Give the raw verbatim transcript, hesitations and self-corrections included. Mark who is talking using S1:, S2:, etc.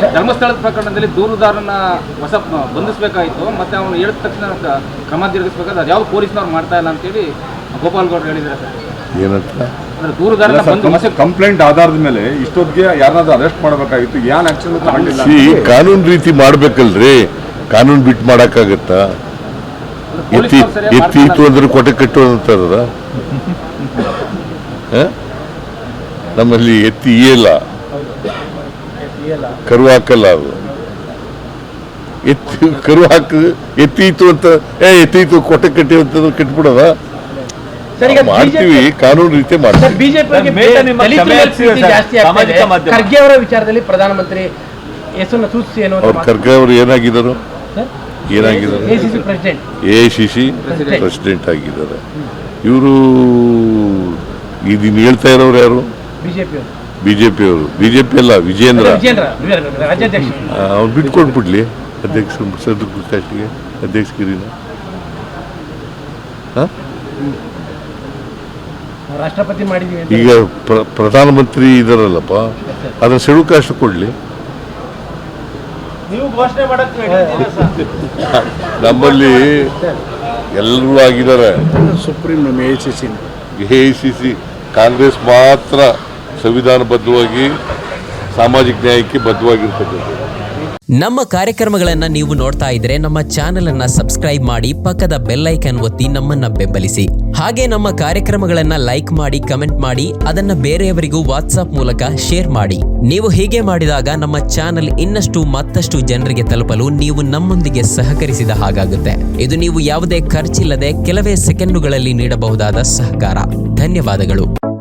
S1: ಧರ್ಮಸ್ಥಳದ ಪ್ರಕರಣದಲ್ಲಿ ದೂರುದಾರನ ಹೊಸ ಬಂಧಿಸಬೇಕಾಯಿತು, ಮತ್ತೆ ಅವನು ಹೇಳಿದ ತಕ್ಷಣ ಕ್ರಮ ಜರುಗಿಸಬೇಕಾದ್ರೆ ಅದು ಯಾವ ಪೊಲೀಸ್ನವ್ರು ಮಾಡ್ತಾ ಇಲ್ಲ ಅಂತೇಳಿ ಗೋಪಾಲ್ ಗೌಡ್ರು ಹೇಳಿದ್ದಾರೆ ಸರ್.
S2: ಏನಂತ
S1: ಅಂದ್ರೆ ದೂರುದಾರನ ಬಂದು
S3: ಕಂಪ್ಲೇಂಟ್ ಆಧಾರದ ಮೇಲೆ ಇಷ್ಟೊತ್ತಿಗೆ ಯಾರನ್ನಾದ್ರೂ ಅರೆಸ್ಟ್ ಮಾಡಬೇಕಾಗಿತ್ತು, ಏನ್ ಆಕ್ಷನ್ ತಗೊಂಡಿಲ್ಲ.
S2: ಕಾನೂನು ರೀತಿ ಮಾಡ್ಬೇಕಲ್ರಿ, ಕಾನೂನು ಬಿಟ್ಟು ಮಾಡಕ್ಕಾಗತ್ತಾ? ಎತ್ತಿ ಎತ್ತಿ ಇತ್ತು ಅಂದ್ರೆ ಕೊಟ್ಟೆ ಕಟ್ಟು ಅಂತಾರದ ನಮ್ಮಲ್ಲಿ ಎತ್ತಿ ಇಯಲ್ಲ, ಕರು ಹಾಕಲ್ಲ. ಅದು ಎತ್ತಿ ಕರು ಹಾಕ ಎತ್ತೀತು ಅಂತ ಏ ಎತ್ತೀತು ಕೊಟ್ಟೆ ಕಟ್ಟಿ ಅಂತ ಕಟ್ಬಿಡೋದ ಮಾಡ್ತೀವಿ, ಕಾನೂನು ರೀತಿ ಮಾಡ್ತೀವಿ.
S4: ಖರ್ಗೆ ಅವರ ವಿಚಾರದಲ್ಲಿ ಪ್ರಧಾನಮಂತ್ರಿ ಹೆಸರನ್ನು ಸೂಚಿಸಿ ಏನೋ
S2: ಖರ್ಗೆ ಅವರು ಏನಾಗಿದ್ದಾರೆ ಏನಾಗಿದ್ದಾರೆ ಎ ಸಿ ಸಿ ಪ್ರೆಸಿಡೆಂಟ್ ಆಗಿದ್ದಾರೆ. ಇವರು ಇದನ್ನ ಹೇಳ್ತಾ ಇರೋರು ಯಾರು? ಬಿಜೆಪಿ ಅವರು. ಬಿಜೆಪಿ ಅಲ್ಲ, ವಿಜೇಂದ್ರ ಅವ್ರು ಬಿಟ್ಕೊಟ್ಬಿಡ್ಲಿ ಅಧ್ಯಕ್ಷ ಕಾಸ್ಟಿಗೆ ಅಧ್ಯಕ್ಷಗಿರಿನ.
S4: ರಾಷ್ಟ್ರಪತಿ ಮಾಡಿದೀವಿ.
S2: ಈಗ ಪ್ರಧಾನಮಂತ್ರಿ ಇದಾರಲ್ಲಪ್ಪ, ಅದನ್ನ ಶೆಡ್ಯೂಲ್ ಕಾಸ್ಟ್ ಕೊಡ್ಲಿ. ನಮ್ಮಲ್ಲಿ ಎಲ್ಲರೂ ಆಗಿದ್ದಾರೆ.
S5: Supreme A C C
S2: A C C Congress ಮಾತ್ರ ಸಂವಿಧಾನಬದ್ಧವಾಗಿ ಸಾಮಾಜಿಕ ನ್ಯಾಯಕ್ಕೆ ಬದ್ಧವಾಗಿರ್ತಕ್ಕಂಥದ್ದು.
S6: ನಮ್ಮ ಕಾರ್ಯಕ್ರಮಗಳನ್ನು ನೀವು ನೋಡ್ತಾ ಇದ್ರೆ ನಮ್ಮ ಚಾನೆಲ್ ಅನ್ನ ಸಬ್ಸ್ಕ್ರೈಬ್ ಮಾಡಿ, ಪಕ್ಕದ ಬೆಲ್ ಐಕಾನ್ ಒತ್ತಿ ನಮ್ಮನ್ನ ಬೆಂಬಲಿಸಿ. ಹಾಗೆ ನಮ್ಮ ಕಾರ್ಯಕ್ರಮಗಳನ್ನ ಲೈಕ್ ಮಾಡಿ, ಕಮೆಂಟ್ ಮಾಡಿ, ಅದನ್ನ ಬೇರೆಯವರಿಗೂ ವಾಟ್ಸ್ಆಪ್ ಮೂಲಕ ಶೇರ್ ಮಾಡಿ. ನೀವು ಹೀಗೆ ಮಾಡಿದಾಗ ನಮ್ಮ ಚಾನೆಲ್ ಇನ್ನಷ್ಟು ಮತ್ತಷ್ಟು ಜನರಿಗೆ ತಲುಪಲು ನೀವು ನಮ್ಮೊಂದಿಗೆ ಸಹಕರಿಸಿದ ಹಾಗಾಗುತ್ತೆ. ಇದು ನೀವು ಯಾವುದೇ ಖರ್ಚಿಲ್ಲದೆ ಕೆಲವೇ ಸೆಕೆಂಡುಗಳಲ್ಲಿ ನೀಡಬಹುದಾದ ಸಹಕಾರ. ಧನ್ಯವಾದಗಳು.